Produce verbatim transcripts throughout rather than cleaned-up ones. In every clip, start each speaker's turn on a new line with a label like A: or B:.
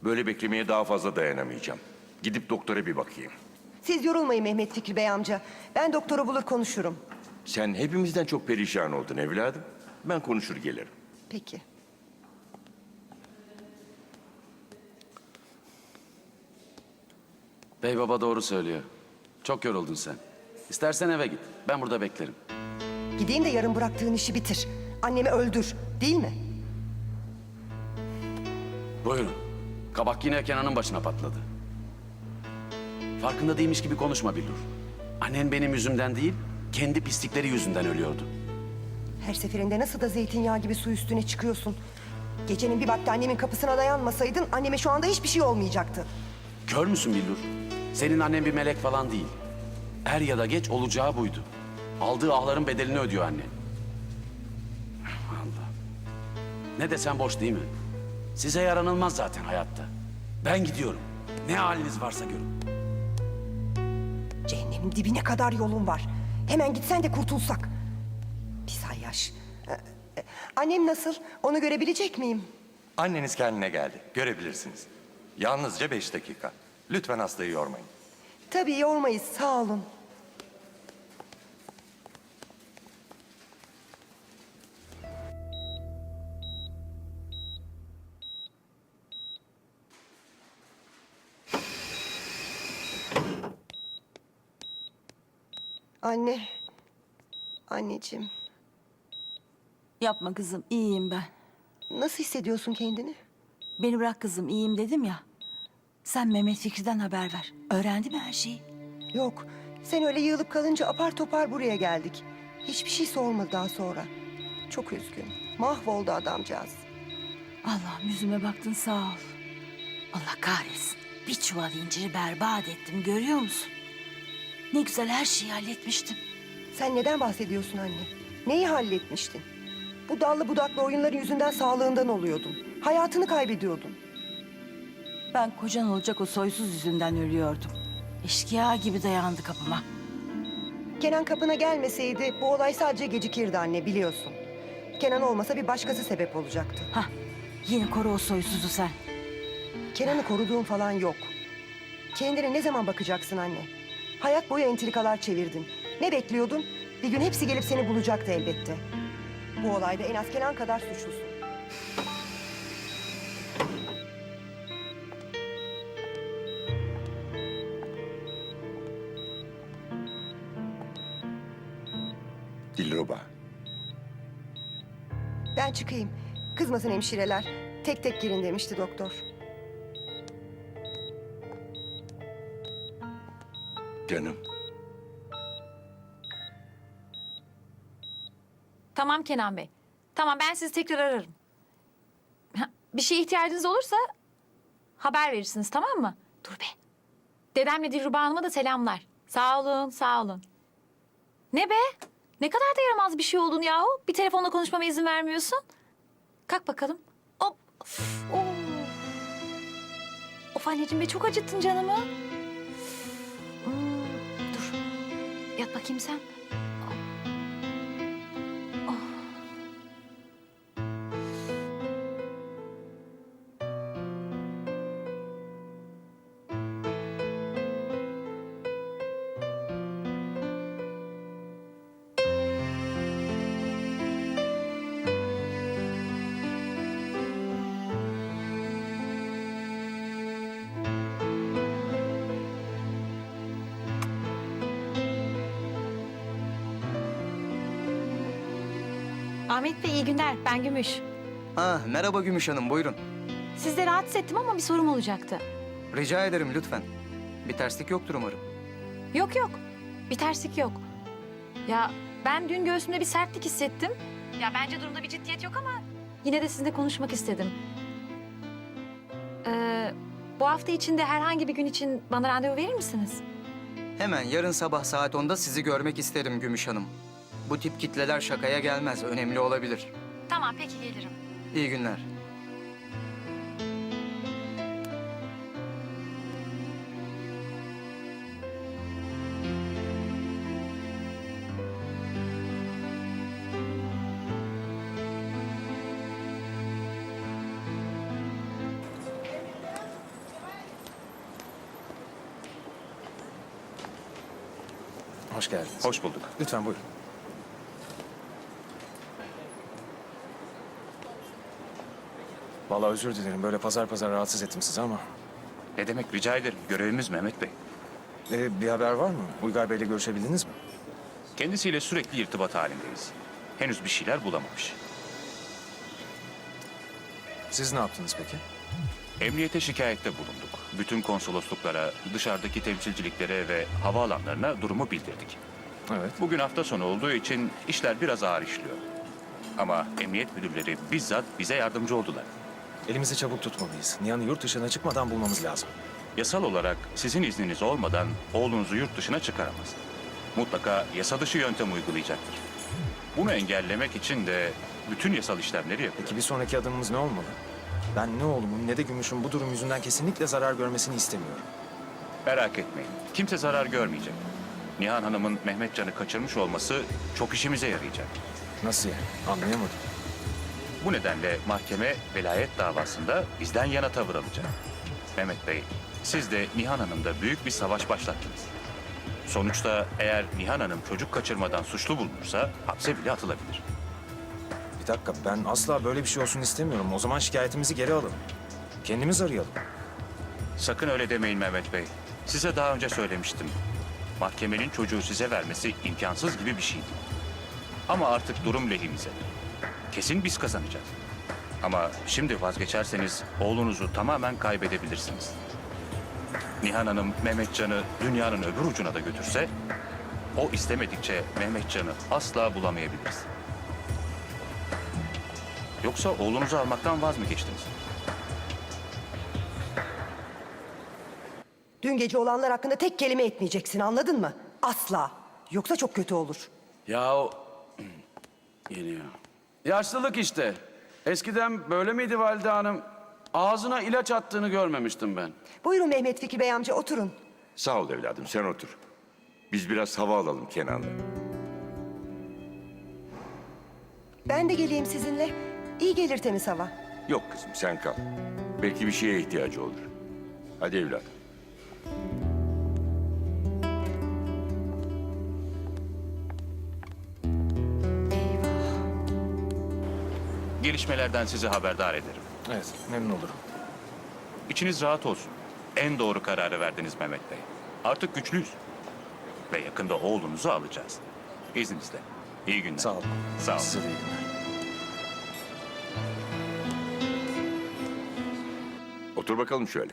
A: Böyle beklemeye daha fazla dayanamayacağım. Gidip doktora bir bakayım.
B: Siz yorulmayın Mehmet Fikri Bey amca. Ben doktoru bulur konuşurum.
A: Sen hepimizden çok perişan oldun evladım. Ben konuşur gelirim.
B: Peki.
C: Bey baba doğru söylüyor. Çok yoruldun sen. İstersen eve git. Ben burada beklerim.
B: Gideyim de yarın bıraktığın işi bitir. Annemi öldür, değil mi?
C: Buyurun. Kabak yine Kenan'ın başına patladı. Farkında değilmiş gibi konuşma Billur. Annen benim yüzümden değil, kendi pislikleri yüzünden ölüyordu.
B: Her seferinde nasıl da zeytinyağı gibi su üstüne çıkıyorsun. Gecenin bir vakti annemin kapısına dayanmasaydın anneme şu anda hiçbir şey olmayacaktı.
C: Kör müsün Billur? Senin annen bir melek falan değil. Er ya da geç olacağı buydu. Aldığı ahların bedelini ödüyor annen. Allah. Ne desem boş değil mi? Size yaranılmaz zaten hayatta. Ben gidiyorum. Ne haliniz varsa görün.
B: Cehennemin dibine kadar yolun var. Hemen gitsen de kurtulsak. Pis hayyaş. Ee, e, Annem nasıl? Onu görebilecek miyim?
D: Anneniz kendine geldi. Görebilirsiniz. Yalnızca beş dakika. Lütfen hastayı yormayın.
B: Tabii yormayız, sağ olun. Anne. Anneciğim.
E: Yapma kızım, iyiyim ben.
B: Nasıl hissediyorsun kendini?
E: Beni bırak kızım, iyiyim dedim ya. Sen Mehmet Fikri'den haber ver. Öğrendi mi her şeyi?
B: Yok. Sen öyle yığılıp kalınca apar topar buraya geldik. Hiçbir şey sormadı daha sonra. Çok üzgün. Mahvoldu adamcağız.
E: Allah'ım yüzüme baktın sağ ol. Allah kahretsin. Bir çuval inciri berbat ettim görüyor musun? Ne güzel her şeyi halletmiştim.
B: Sen neden bahsediyorsun anne? Neyi halletmiştin? Bu dallı budaklı oyunların yüzünden sağlığından oluyordun. Hayatını kaybediyordun.
E: Ben kocan olacak o soysuz yüzünden ölüyordum. Eşkıya gibi dayandı kapıma.
B: Kenan kapına gelmeseydi bu olay sadece gecikirdi anne biliyorsun. Kenan olmasa bir başkası sebep olacaktı.
E: Hah, yine koru o soysuzu sen.
B: Kenan'ı koruduğun falan yok. Kendine ne zaman bakacaksın anne? Hayat boyu entrikalar çevirdin. Ne bekliyordun? Bir gün hepsi gelip seni bulacaktı elbette. Bu olayda en az Kenan kadar suçlusun.
A: Dilruba.
B: Ben çıkayım. Kızmasın hemşireler. Tek tek girin demişti doktor.
A: Canım.
F: Tamam Kenan Bey. Tamam ben sizi tekrar ararım. Ha, bir şeye ihtiyacınız olursa haber verirsiniz tamam mı? Dur be. Dedemle Dilruba Hanım'a da selamlar. Sağ olun, sağ olun. Ne be? Ne kadar da yaramaz bir şey oldun yahu. Bir telefonla konuşmama izin vermiyorsun. Kalk bakalım. Hop. Of. Of, of anneciğim be çok acıttın canımı. Hmm, dur. Yat bakayım sen. Ahmet Bey iyi günler. Ben Gümüş.
G: Ha, merhaba Gümüş Hanım, buyurun.
F: Sizi de rahatsız ettim ama bir sorum olacaktı.
G: Rica ederim lütfen. Bir terslik yoktur umarım.
F: Yok yok. Bir terslik yok. Ya ben dün göğsümde bir sertlik hissettim. Ya bence durumda bir ciddiyet yok ama yine de sizinle konuşmak istedim. Ee, bu hafta içinde herhangi bir gün için bana randevu verir misiniz?
G: Hemen yarın sabah saat onda sizi görmek isterim Gümüş Hanım. Bu tip kitleler şakaya gelmez, önemli olabilir.
F: Tamam peki gelirim.
G: İyi günler.
H: Hoş geldiniz.
I: Hoş bulduk.
H: Lütfen buyurun. Vallahi özür dilerim. Böyle pazar pazar rahatsız ettim sizi ama...
I: Ne demek, rica ederim. Görevimiz Mehmet Bey.
H: Ee, bir haber var mı? Uygar Bey'le görüşebildiniz mi?
I: Kendisiyle sürekli irtibat halindeyiz. Henüz bir şeyler bulamamış.
H: Siz ne yaptınız peki?
I: Emniyete şikayette bulunduk. Bütün konsolosluklara, dışarıdaki temsilciliklere ve havaalanlarına durumu bildirdik.
H: Evet.
I: Bugün hafta sonu olduğu için işler biraz ağır işliyor. Ama emniyet müdürleri bizzat bize yardımcı oldular.
H: Elimizi çabuk tutmalıyız. Nihan'ı yurt dışına çıkmadan bulmamız lazım.
I: Yasal olarak sizin izniniz olmadan oğlunuzu yurt dışına çıkaramaz. Mutlaka yasa dışı yöntem uygulayacaktır. Bunu engellemek için de bütün yasal işlemleri yapıyor.
H: Peki bir sonraki adımımız ne olmalı? Ben ne oğlumun ne de Gümüş'ün bu durum yüzünden kesinlikle zarar görmesini istemiyorum.
I: Merak etmeyin. Kimse zarar görmeyecek. Nihan Hanım'ın Mehmetcan'ı kaçırmış olması çok işimize yarayacak.
H: Nasıl yani? Anlayamadım.
I: Bu nedenle mahkeme velayet davasında bizden yana tavır alacak. Mehmet Bey, siz de Nihan Hanım'da büyük bir savaş başlattınız. Sonuçta eğer Nihan Hanım çocuk kaçırmadan suçlu bulunursa hapse bile atılabilir.
H: Bir dakika, ben asla böyle bir şey olsun istemiyorum. O zaman şikayetimizi geri alalım. Kendimiz arayalım.
I: Sakın öyle demeyin Mehmet Bey. Size daha önce söylemiştim. Mahkemenin çocuğu size vermesi imkansız gibi bir şeydi. Ama artık durum lehimize. Kesin biz kazanacağız. Ama şimdi vazgeçerseniz oğlunuzu tamamen kaybedebilirsiniz. Nihan Hanım Mehmetcan'ı dünyanın öbür ucuna da götürse, o istemedikçe Mehmetcan'ı asla bulamayabiliriz. Yoksa oğlunuzu almaktan vaz mı geçtiniz?
B: Dün gece olanlar hakkında tek kelime etmeyeceksin, anladın mı? Asla. Yoksa çok kötü olur.
C: Ya o... Geliyor. Yaşlılık işte. Eskiden böyle miydi Valide Hanım? Ağzına ilaç attığını görmemiştim ben.
B: Buyurun Mehmet Fikri Bey amca, oturun.
A: Sağ ol evladım, sen otur. Biz biraz hava alalım Kenan'la.
B: Ben de geleyim sizinle. İyi gelir temiz hava.
A: Yok kızım, sen kal. Belki bir şeye ihtiyacı olur. Hadi evladım.
I: Gelişmelerden sizi haberdar ederim.
H: Evet, memnun olurum.
I: İçiniz rahat olsun. En doğru kararı verdiniz Mehmet Bey. Artık güçlüyüz. Ve yakında oğlunuzu alacağız. İzninizle. İyi günler.
H: Sağ olun.
I: Sağ olun.
H: Size de iyi günler.
A: Otur bakalım şöyle.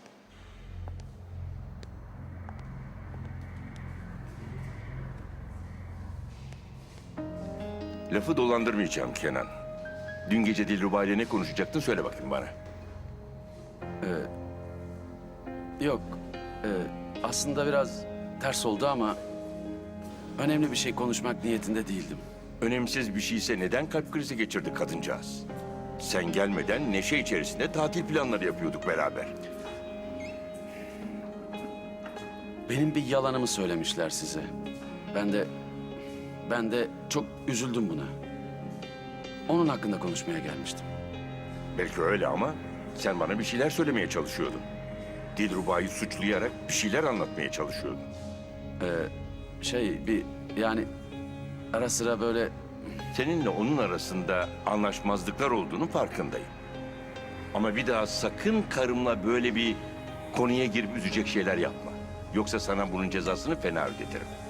A: Lafı dolandırmayacağım Kenan. Dün gece Dilruba ile ne konuşacaktın söyle bakayım bana.
C: Yok. e, aslında biraz ters oldu ama... önemli bir şey konuşmak niyetinde değildim.
A: Önemsiz bir şeyse neden kalp krizi geçirdi kadıncağız? Sen gelmeden neşe içerisinde tatil planları yapıyorduk beraber.
C: Benim bir yalanımı söylemişler size. Ben de... Ben de çok üzüldüm buna. Onun hakkında konuşmaya gelmiştim.
A: Belki öyle ama sen bana bir şeyler söylemeye çalışıyordun. Dilruba'yı suçlayarak bir şeyler anlatmaya çalışıyordun.
C: Şey bir yani ara sıra böyle
A: Seninle onun arasında anlaşmazlıklar olduğunu farkındayım. Ama bir daha sakın karımla böyle bir konuya girip üzecek şeyler yapma. Yoksa sana bunun cezasını fena ödetirim.